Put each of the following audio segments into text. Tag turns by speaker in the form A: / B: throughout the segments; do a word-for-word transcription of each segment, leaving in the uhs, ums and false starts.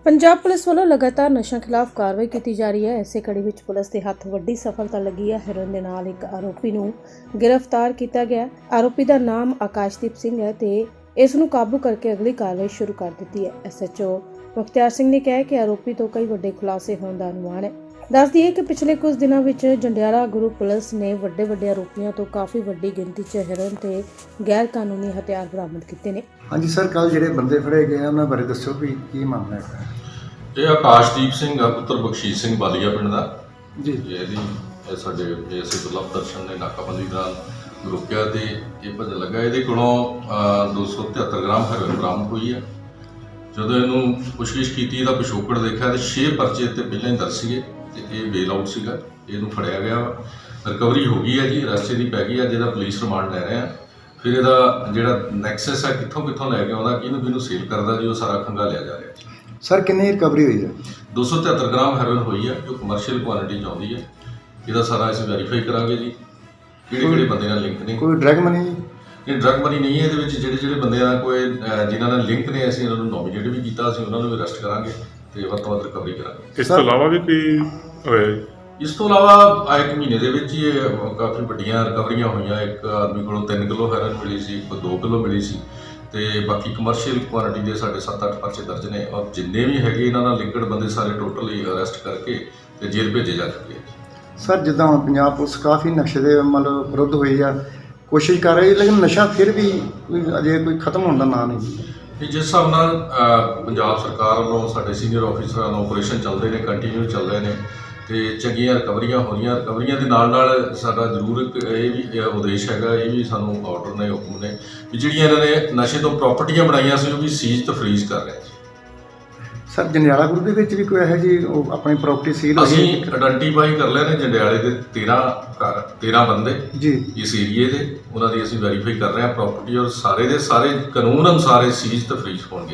A: Punjab police ਵੱਲੋਂ ਲਗਾਤਾਰ ਨਸ਼ਾ ਖਿਲਾਫ ਕਾਰਵਾਈ ਕੀਤੀ ਜਾ ਰਹੀ ਹੈ। ਇਸੇ ਕੜੀ ਵਿੱਚ ਪੁਲਿਸ ਦੇ ਹੱਥ ਵੱਡੀ ਸਫਲਤਾ ਲੱਗੀ ਹੈ। ਹੈਰੋਇਨ ਦੇ ਨਾਲ ਇੱਕ ਆਰੋਪੀ ਨੂੰ ਗ੍ਰਿਫਤਾਰ ਕੀਤਾ ਗਿਆ। ਆਰੋਪੀ ਦਾ ਨਾਮ ਆਕਾਸ਼ਦੀਪ ਸਿੰਘ ਹੈ ਤੇ ਇਸ ਨੂੰ ਕਾਬੂ ਕਰਕੇ ਅਗਲੀ ਕਾਰਵਾਈ ਸ਼ੁਰੂ ਕਰ ਦਿੱਤੀ ਹੈ। ਐਸਐਚਓ ਮੁਖਤਿਆਰ ਸਿੰਘ ਨੇ ਕਿਹਾ ਕਿ ਆਰੋਪੀ ਤੋਂ ਕਈ ਵੱਡੇ ਖੁਲਾਸੇ ਹੋਣ ਦਾ ਅਨੁਮਾਨ ਹੈ। ਦੱਸ ਦਈਏ ਕਿ ਪਿਛਲੇ ਕੁਝ ਦਿਨਾਂ ਵਿੱਚ ਜੰਡਿਆਲਾ ਗੁਰੂ ਪੁਲਿਸ ਨੇ ਵੱਡੇ ਵੱਡੇ ਆਰੋਪੀਆਂ ਤੋਂ ਕਾਫੀ ਵੱਡੀ ਗਿਣਤੀ 'ਚ ਹੈਰੋਇਨ ਤੇ ਗੈਰ ਕਾਨੂੰਨੀ ਹਥਿਆਰ ਬਰਾਮਦ ਕੀਤੇ ਨੇ।
B: ਹਾਂਜੀ ਸਰ, ਕੱਲ ਜਿਹੜੇ ਬੰਦੇ ਫੜੇ ਗਏ ਉਹਨਾਂ ਬਾਰੇ ਦੱਸੋ ਵੀ ਕੀ ਮਾਮਲਾ ਹੈ।
C: ਇਹ ਆਕਾਸ਼ਦੀਪ ਸਿੰਘ ਆ, ਪੁੱਤਰ ਬਖਸ਼ੀਸ਼ ਸਿੰਘ ਬਾਲੀਆ ਪਿੰਡ ਦਾ
B: ਜੀ।
C: ਇਹਦੀ ਇਹ ਸਾਡੇ ਐਸੇ ਦੁਰਲਭ ਦਰਸ਼ਨ ਨੇ ਨਾਕਾਬੰਦੀ ਦੌਰਾਨ ਰੋਕਿਆ ਤੇ ਇਹ ਭੱਜਣ ਲੱਗਾ। ਇਹਦੇ ਕੋਲੋਂ ਦੋ ਸੌ ਤਿਹੱਤਰ ਗ੍ਰਾਮ ਹੈਰੋਇਨ ਬਰਾਮਦ ਹੋਈ ਹੈ। ਜਦੋਂ ਇਹਨੂੰ ਪੁੱਛਗਿੱਛ ਕੀਤੀ, ਇਹਦਾ ਪਿਛੋਕੜ ਦੇਖਿਆ ਤੇ ਛੇ ਪਰਚੇ ਤੇ ਪਹਿਲਾਂ ਹੀ ਦਰਜ ਸੀਗੇ ਤੇ ਇਹ ਬੇਲ ਆਊਟ ਸੀਗਾ। ਇਹਨੂੰ ਫੜਿਆ ਗਿਆ, ਰਿਕਵਰੀ ਹੋ ਗਈ ਹੈ ਜੀ, ਰਸਤੇ ਦੀ ਪੈ ਗਈ ਹੈ, ਜਿਹਦਾ ਪੁਲਿਸ ਰਿਮਾਂਡ ਲੈ ਰਹੇ ਆ। ਫਿਰ ਇਹਦਾ ਜਿਹੜਾ ਨੈਕਸਸ ਹੈ, ਕਿੱਥੋਂ ਕਿੱਥੋਂ ਲੈ ਕੇ ਆਉਂਦਾ, ਕਿਹਨੂੰ ਕਿਹਨੂੰ ਸੇਲ ਕਰਦਾ ਜੀ, ਉਹ ਸਾਰਾ ਖੰਗਾਲਿਆ ਜਾ ਰਿਹਾ।
B: ਸਰ ਕਿੰਨੀ ਰਿਕਵਰੀ ਹੋਈ ਹੈ?
C: ਦੋ ਸੌ ਤਿਹੱਤਰ ਗ੍ਰਾਮ ਹੈਰੋਇਨ ਹੋਈ ਹੈ, ਜੋ ਕਮਰਸ਼ੀਅਲ ਕੁਆਂਟਿਟੀ 'ਚ ਆਉਂਦੀ ਹੈ। ਇਹਦਾ ਸਾਰਾ ਅਸੀਂ ਵੈਰੀਫਾਈ ਕਰਾਂਗੇ ਜੀ, ਕਿਹੜੇ ਕਿਹੜੇ ਬੰਦੇ ਨਾਲ ਲਿੰਕ ਨੇ।
B: ਕੋਈ ਡਰਗ ਮਨੀ?
C: ਇਹ ਡਰਗ ਮਨੀ ਨਹੀਂ ਹੈ। ਇਹਦੇ ਵਿੱਚ ਜਿਹੜੇ ਜਿਹੜੇ ਬੰਦੇ ਨਾਲ ਕੋਈ ਜਿਨ੍ਹਾਂ ਨਾਲ ਲਿੰਕ ਨੇ, ਅਸੀਂ ਉਹਨਾਂ ਨੂੰ ਨੋਮੀਨੇਟ ਵੀ ਕੀਤਾ, ਅਸੀਂ ਉਹਨਾਂ ਨੂੰ ਵੀ ਅਰੈਸਟ ਕਰਾਂਗੇ ਤੇ ਵੱਧ ਤੋਂ ਵੱਧ ਰਿਕਵਰੀ ਕਰਾਂਗੇ।
D: ਇਸ ਤੋਂ ਇਲਾਵਾ ਵੀ ਕੋਈ ਹੋਇਆ?
C: ਇਸ ਤੋਂ ਇਲਾਵਾ ਆ ਇੱਕ ਮਹੀਨੇ ਦੇ ਵਿੱਚ ਹੀ ਇਹ ਕਾਫੀ ਵੱਡੀਆਂ ਰਿਕਵਰੀਆਂ ਹੋਈਆਂ। ਇੱਕ ਆਦਮੀ ਕੋਲੋਂ ਤਿੰਨ ਕਿਲੋ ਹੈਰੋਇਨ ਮਿਲੀ ਸੀ, ਇੱਕ ਦੋ ਕਿਲੋ ਮਿਲੀ ਸੀ ਤੇ ਬਾਕੀ ਕਮਰਸ਼ੀਅਲ ਕੁਆਂਟਿਟੀ ਦੇ ਸਾਡੇ ਸੱਤ ਅੱਠ ਪਰਚੇ ਦਰਜ ਨੇ। ਔਰ ਜਿੰਨੇ ਵੀ ਹੈਗੇ ਇਹਨਾਂ ਨਾਲ ਲਿੰਕਡ ਬੰਦੇ ਸਾਰੇ ਟੋਟਲੀ ਅਰੈਸਟ ਕਰਕੇ ਤੇ ਜੇਲ੍ਹ ਭੇਜੇ ਜਾ ਚੁੱਕੇ ਆ।
B: ਸਰ ਜਿੱਦਾਂ ਹੁਣ ਪੰਜਾਬ ਪੁਲਿਸ ਕਾਫੀ ਨਸ਼ੇ ਦੇ ਮਤਲਬ ਵਿਰੁੱਧ ਹੋਈ ਆ, ਕੋਸ਼ਿਸ਼ ਕਰ ਰਹੀ, ਲੇਕਿਨ ਨਸ਼ਾ ਫਿਰ ਵੀ ਕੋਈ ਅਜੇ ਕੋਈ ਖਤਮ ਹੋਣ ਦਾ ਨਾਂ ਨਹੀਂ।
C: ਜਿਸ ਹਿਸਾਬ ਨਾਲ ਪੰਜਾਬ ਸਰਕਾਰ ਵੱਲੋਂ ਸਾਡੇ ਸੀਨੀਅਰ ਆਫੀਸਰਾਂ ਨੂੰ ਆਪਰੇਸ਼ਨ ਚੱਲਦੇ ਨੇ, ਕੰਟੀਨਿਊ ਚੱਲ ਰਹੇ ਨੇ ਤੇ ਚੰਗੀਆਂ ਰਿਕਵਰੀਆਂ ਹੋ ਰਹੀਆਂ। ਰਿਕਵਰੀਆਂ ਦੇ ਨਾਲ ਨਾਲ ਸਾਡਾ ਜ਼ਰੂਰ ਇੱਕ ਇਹ ਵੀ ਉਦੇਸ਼ ਹੈਗਾ, ਇਹ ਵੀ ਸਾਨੂੰ ਆਰਡਰ ਨੇ, ਹੁਕਮ ਨੇ ਵੀ ਜਿਹੜੀਆਂ ਇਹਨਾਂ ਨੇ ਨਸ਼ੇ ਤੋਂ ਪ੍ਰਾਪਰਟੀਆਂ ਬਣਾਈਆਂ ਸੀ, ਉਹ ਵੀ ਸੀਜ਼ ਤੇ ਫਰੀਜ਼ ਕਰ ਰਹੇ।
B: ਸਰ ਜੰਡਿਆਲਾ ਗੁਰੂ ਦੇ ਵਿੱਚ ਵੀ ਕੋਈ ਇਹੋ ਜਿਹੀ ਉਹ ਆਪਣੀ ਪ੍ਰਾਪਰਟੀ ਸੀਲ ਹੋਈ?
C: ਅਸੀਂ ਆਇਡੈਂਟੀਫਾਈ ਕਰ ਲਏ ਨੇ ਜੰਡਿਆਲੇ ਦੇ ਤੇਰਾਂ ਘਰ, ਤੇਰਾਂ ਬੰਦੇ
B: ਜੀ
C: ਇਸ ਏਰੀਏ ਦੇ, ਉਹਨਾਂ ਦੀ ਅਸੀਂ ਵੈਰੀਫਾਈ ਕਰ ਰਹੇ ਹਾਂ ਪ੍ਰਾਪਰਟੀ, ਔਰ ਸਾਰੇ ਦੇ ਸਾਰੇ ਕਾਨੂੰਨ ਅਨੁਸਾਰ ਇਹ ਸੀਜ਼ ਤੇ ਫਰੀਜ਼ ਹੋਣਗੇ।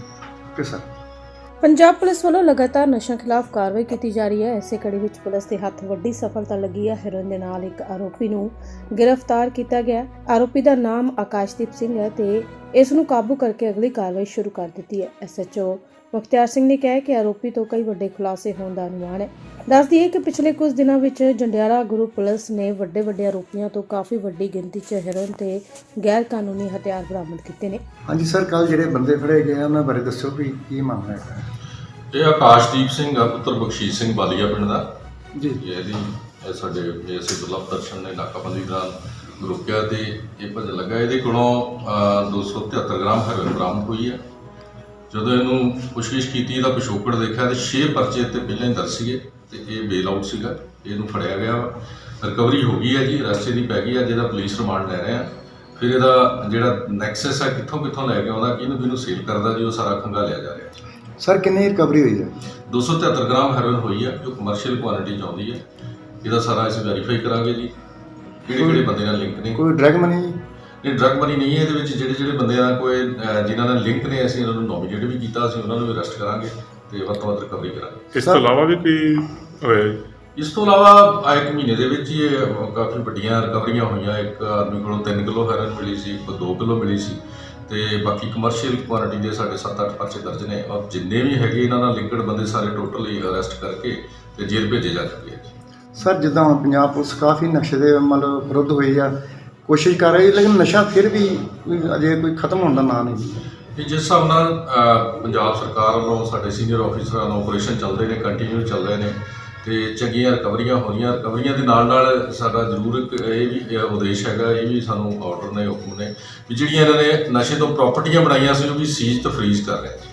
B: Okay sir.
A: ਪੰਜਾਬ ਪੁਲਿਸ ਵੱਲੋਂ ਲਗਾਤਾਰ ਨਸ਼ਾ ਖਿਲਾਫ ਕਾਰਵਾਈ ਕੀਤੀ ਜਾ ਰਹੀ ਹੈ। ਇਸੇ ਕੜੀ ਵਿੱਚ ਪੁਲਿਸ ਦੇ ਹੱਥ ਵੱਡੀ ਸਫਲਤਾ ਲੱਗੀ ਹੈ। ਹੈਰੋਇਨ ਦੇ ਨਾਲ ਇੱਕ ਆਰੋਪੀ ਨੂੰ ਗ੍ਰਿਫਤਾਰ ਕੀਤਾ ਗਿਆ। ਆਰੋਪੀ ਦਾ ਨਾਮ ਆਕਾਸ਼ਦੀਪ ਸਿੰਘ ਹੈ ਤੇ ਇਸ ਨੂੰ ਕਾਬੂ ਕਰਕੇ ਅਗਲੀ ਕਾਰਵਾਈ ਸ਼ੁਰੂ ਕਰ ਦਿੱਤੀ ਹੈ। ਐਸਐਚਓ ਮੁਖਤਿਆਰ ਸਿੰਘ ਨੇ ਕਿਹਾ ਕਿ ਆਰੋਪੀ ਤੋਂ ਕਈ ਵੱਡੇ ਖੁਲਾਸੇ ਹੋਣ ਦਾ ਅਨੁਮਾਨ ਹੈ। ਦੱਸ ਦਈਏ ਕਿ ਪਿਛਲੇ ਕੁਝ ਦਿਨਾਂ ਵਿੱਚ ਜੰਡਿਆਲਾ ਗੁਰੂ ਪੁਲਿਸ ਨੇ ਵੱਡੇ ਵੱਡੇ ਆਰੋਪੀਆਂ ਤੋਂ ਕਾਫੀ ਵੱਡੀ ਗਿਣਤੀ 'ਚ ਹੈਰੋਇਨ ਤੇ ਗੈਰ ਕਾਨੂੰਨੀ ਹਥਿਆਰ ਬਰਾਮਦ ਕੀਤੇ ਨੇ।
B: ਹਾਂਜੀ ਸਰ, ਕੱਲ ਜਿਹੜੇ ਬੰਦੇ ਫੜੇ ਗਏ ਉਹਨਾਂ ਬਾਰੇ ਦੱਸੋ ਵੀ ਕੀ ਮਾਮਲਾ ਹੈ।
C: ਇਹ ਆਕਾਸ਼ਦੀਪ ਸਿੰਘ ਆ, ਪੁੱਤਰ ਬਖਸ਼ੀਸ਼ ਸਿੰਘ ਬਾਲੀਆ ਪਿੰਡ ਦਾ
B: ਜੀ।
C: ਇਹਦੀ ਇਹ ਸਾਡੇ ਐਸੇ ਦੁਰਲਭ ਦਰਸ਼ਨ ਨੇ ਨਾਕਾਬੰਦੀ ਦੌਰਾਨ ਰੋਕਿਆ ਤੇ ਇਹ ਭੱਜਣ ਲੱਗਾ। ਇਹਦੇ ਕੋਲੋਂ ਦੋ ਸੌ ਤਿਹੱਤਰ ਗ੍ਰਾਮ ਹੈਰੋਇਨ ਬਰਾਮਦ ਹੋਈ ਹੈ। ਜਦੋਂ ਇਹਨੂੰ ਪੁੱਛਗਿੱਛ ਕੀਤੀ, ਇਹਦਾ ਪਿਛੋਕੜ ਦੇਖਿਆ ਤੇ ਛੇ ਪਰਚੇ ਤੇ ਪਹਿਲਾਂ ਹੀ ਦਰਜ ਸੀਗੇ ਤੇ ਇਹ ਬੇਲ ਆਊਟ ਸੀਗਾ। ਇਹਨੂੰ ਫੜਿਆ ਗਿਆ, ਰਿਕਵਰੀ ਹੋ ਗਈ ਹੈ ਜੀ, ਰਸਤੇ ਦੀ ਪੈ ਗਈ ਹੈ, ਜਿਹਦਾ ਪੁਲਿਸ ਰਿਮਾਂਡ ਲੈ ਰਹੇ ਆ। ਫਿਰ ਇਹਦਾ ਜਿਹੜਾ ਨੈਕਸਸ ਹੈ, ਕਿੱਥੋਂ ਕਿੱਥੋਂ ਲੈ ਕੇ ਆਉਂਦਾ, ਕਿਹਨੂੰ ਕਿਹਨੂੰ ਸੇਲ ਕਰਦਾ ਜੀ, ਉਹ ਸਾਰਾ ਖੰਗਾਲਿਆ ਜਾ ਰਿਹਾ।
B: ਸਰ ਕਿੰਨੀ ਰਿਕਵਰੀ ਹੋਈ ਹੈ? ਦੋ
C: ਸੌ ਤਿਹੱਤਰ ਗ੍ਰਾਮ ਹੈਰੋਇਨ ਹੋਈ ਹੈ, ਜੋ ਕਮਰਸ਼ੀਅਲ ਕੁਆਂਟਿਟੀ 'ਚ ਆਉਂਦੀ ਹੈ। ਇਹਦਾ ਸਾਰਾ ਅਸੀਂ ਵੈਰੀਫਾਈ ਕਰਾਂਗੇ ਜੀ, ਕਿਹੜੇ ਕਿਹੜੇ ਬੰਦੇ ਨਾਲ ਲਿੰਕ ਨੇ।
B: ਕੋਈ ਡਰਗ ਮਨੀ?
C: ਇਹ ਡਰਗ ਮਨੀ ਨਹੀਂ ਹੈ। ਇਹਦੇ ਵਿੱਚ ਜਿਹੜੇ ਜਿਹੜੇ ਬੰਦੇ ਨਾਲ ਕੋਈ ਜਿਨ੍ਹਾਂ ਨਾਲ ਲਿੰਕ ਨੇ, ਅਸੀਂ ਉਹਨਾਂ ਨੂੰ ਨੋਮੀਨੇਟ ਵੀ ਕੀਤਾ, ਅਸੀਂ ਉਹਨਾਂ ਨੂੰ ਵੀ ਅਰੈਸਟ ਕਰਾਂਗੇ ਤੇ ਵੱਧ ਤੋਂ ਵੱਧ ਰਿਕਵਰੀ ਕਰਾਂਗੇ।
D: ਇਸ ਤੋਂ ਇਲਾਵਾ ਵੀ ਕੋਈ ਹੋਇਆ?
C: ਇਸ ਤੋਂ ਇਲਾਵਾ ਆ ਇੱਕ ਮਹੀਨੇ ਦੇ ਵਿੱਚ ਹੀ ਇਹ ਕਾਫੀ ਵੱਡੀਆਂ ਰਿਕਵਰੀਆਂ ਹੋਈਆਂ। ਇੱਕ ਆਦਮੀ ਕੋਲੋਂ ਤਿੰਨ ਕਿਲੋ ਹੈਰੋਇਨ ਮਿਲੀ ਸੀ, ਇੱਕ ਦੋ ਕਿਲੋ ਮਿਲੀ ਸੀ ਤੇ ਬਾਕੀ ਕਮਰਸ਼ੀਅਲ ਕੁਆਂਟਿਟੀ ਦੇ ਸਾਡੇ ਸੱਤ ਅੱਠ ਪਰਚੇ ਦਰਜ ਨੇ। ਔਰ ਜਿੰਨੇ ਵੀ ਹੈਗੇ ਇਹਨਾਂ ਨਾਲ ਲਿੰਕਡ ਬੰਦੇ ਸਾਰੇ ਟੋਟਲੀ ਅਰੈਸਟ ਕਰਕੇ ਤੇ ਜੇਲ੍ਹ ਭੇਜੇ ਜਾ ਚੁੱਕੇ ਆ।
B: ਸਰ ਜਿੱਦਾਂ ਹੁਣ ਪੰਜਾਬ ਪੁਲਿਸ ਕਾਫੀ ਨਸ਼ੇ ਦੇ ਮਤਲਬ ਵਿਰੁੱਧ ਹੋਈ ਆ, ਕੋਸ਼ਿਸ਼ ਕਰ ਰਹੀ, ਲੇਕਿਨ ਨਸ਼ਾ ਫਿਰ ਵੀ ਕੋਈ ਅਜੇ ਕੋਈ ਖਤਮ ਹੋਣ ਦਾ ਨਾਂ ਨਹੀਂ।
C: ਜਿਸ ਹਿਸਾਬ ਨਾਲ ਪੰਜਾਬ ਸਰਕਾਰ ਵੱਲੋਂ ਸਾਡੇ ਸੀਨੀਅਰ ਆਫੀਸਰਾਂ ਨੂੰ ਆਪਰੇਸ਼ਨ ਚੱਲਦੇ ਨੇ, ਕੰਟੀਨਿਊ ਚੱਲ ਰਹੇ ਨੇ ਤੇ ਚੰਗੀਆਂ ਰਿਕਵਰੀਆਂ ਹੋ ਰਹੀਆਂ। ਰਿਕਵਰੀਆਂ ਦੇ ਨਾਲ ਨਾਲ ਸਾਡਾ ਜ਼ਰੂਰ ਇੱਕ ਇਹ ਵੀ ਉਦੇਸ਼ ਹੈਗਾ, ਇਹ ਵੀ ਸਾਨੂੰ ਆਰਡਰ ਨੇ, ਹੁਕਮ ਨੇ ਵੀ ਜਿਹੜੀਆਂ ਇਹਨਾਂ ਨੇ ਨਸ਼ੇ ਤੋਂ ਪ੍ਰਾਪਰਟੀਆਂ ਬਣਾਈਆਂ ਸੀ, ਉਹ ਵੀ ਸੀਜ਼ ਤੇ ਫਰੀਜ਼ ਕਰ ਰਹੇ।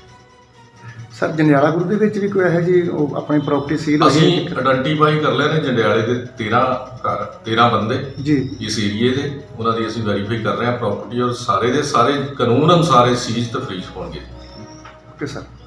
B: ਸਰ ਜੰਡਿਆਲਾ ਗੁਰੂ ਦੇ ਵਿੱਚ ਵੀ ਕੋਈ ਇਹੋ ਜਿਹੀ ਉਹ ਆਪਣੀ ਪ੍ਰਾਪਰਟੀ ਸੀਲ ਹੋਈ?
C: ਅਸੀਂ ਆਇਡੈਂਟੀਫਾਈ ਕਰ ਲਏ ਨੇ ਜੰਡਿਆਲੇ ਦੇ ਤੇਰਾਂ ਘਰ, ਤੇਰਾਂ ਬੰਦੇ
B: ਜੀ
C: ਇਸ ਏਰੀਏ ਦੇ, ਉਹਨਾਂ ਦੀ ਅਸੀਂ ਵੈਰੀਫਾਈ ਕਰ ਰਹੇ ਹਾਂ ਪ੍ਰਾਪਰਟੀ, ਔਰ ਸਾਰੇ ਦੇ ਸਾਰੇ ਕਾਨੂੰਨ ਅਨੁਸਾਰ ਇਹ ਸੀਜ਼ ਤੇ ਫਰੀਜ਼ ਹੋਣਗੇ।
B: Okay sir.